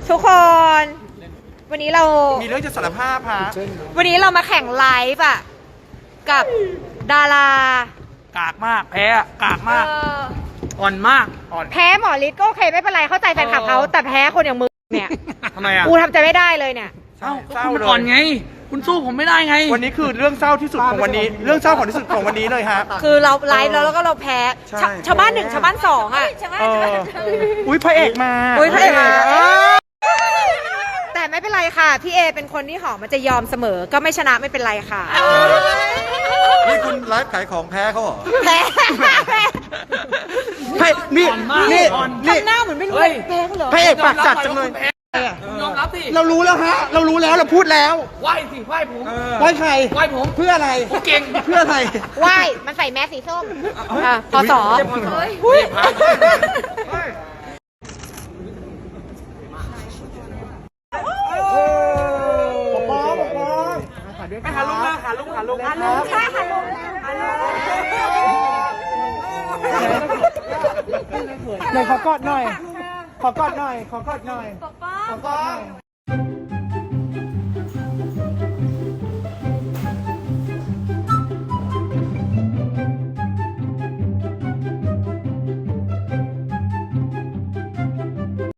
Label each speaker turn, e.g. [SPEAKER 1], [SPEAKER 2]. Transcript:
[SPEAKER 1] ทุกคนวันนี้เรา
[SPEAKER 2] มีเรื่องจะสารภาพฮะ
[SPEAKER 1] วันนี้เรามาแข่งไลฟ์อ่ะกับดาราก
[SPEAKER 3] ากมากแพ้กากมากอ่อนมากอ่อน
[SPEAKER 1] แพ้หมอฤทธิ์ก็โอเคไม่เป็นไรเข้าใจแฟนคลับเขาแต่แพ้คนอย่างมึงเนี่ย
[SPEAKER 3] ทำไมอ่ะ
[SPEAKER 1] กูทำใจไม่ได้เลยเนี่ย
[SPEAKER 3] เอ้าคุณมันอ่อนไง คุณสู้ผมไม่ได้ไง
[SPEAKER 2] วันนี้คือเรื่องเศร้าที่สุดของวันนี้ เรื่องเศร้าของที่สุดของวันนี้เลยฮะ
[SPEAKER 1] คือเราไลฟ์แล้วก็เราแพ้
[SPEAKER 2] ใช่
[SPEAKER 1] ชาวบ้านหนึ่งชาวบ้านสองอ่ะ
[SPEAKER 2] อุ้ยพระเอกมา
[SPEAKER 1] อุ้ยพระเอกมาแต่ไม่เป็นไรค่ะพี่เอเป็นคนที่หอมมันจะยอมเสมอก็ไม่ชนะไม่เป็นไรค่ะ
[SPEAKER 4] นี่คุณไลฟ์ขายของแพ้เขาเหรอ
[SPEAKER 1] แพ้
[SPEAKER 2] พระนี่
[SPEAKER 3] อ่อนมาก
[SPEAKER 2] นี่
[SPEAKER 3] อ่อน
[SPEAKER 2] นี่
[SPEAKER 1] ทำหน้าเหมือนไม่รู้
[SPEAKER 3] เฮ้ย
[SPEAKER 1] แพ้เขาเหรอ
[SPEAKER 2] พระเอกปากจัดจังเลย
[SPEAKER 3] คุณยอมรับสิ
[SPEAKER 2] เรารู้แล้วฮะ เรารู้แล้วเราพูดแล้ว
[SPEAKER 3] ไหว้สิไหว้ผม
[SPEAKER 2] ไว้ใคร
[SPEAKER 3] ไหว้ผม
[SPEAKER 2] เพื่ออะไร
[SPEAKER 3] ผมเก่ง
[SPEAKER 2] เพื่ออะไร
[SPEAKER 1] ว่ายมันใส่แมสสีส้มพอสอ
[SPEAKER 3] อุ้ย
[SPEAKER 2] ไปหาลุงมาหาลุงหาลุง
[SPEAKER 1] ใช่ค่ะลุง
[SPEAKER 2] ไหนขอกอดหน่อย ขอกอดหน่อย ขอกอดหน่อย ขอกอดหน่อย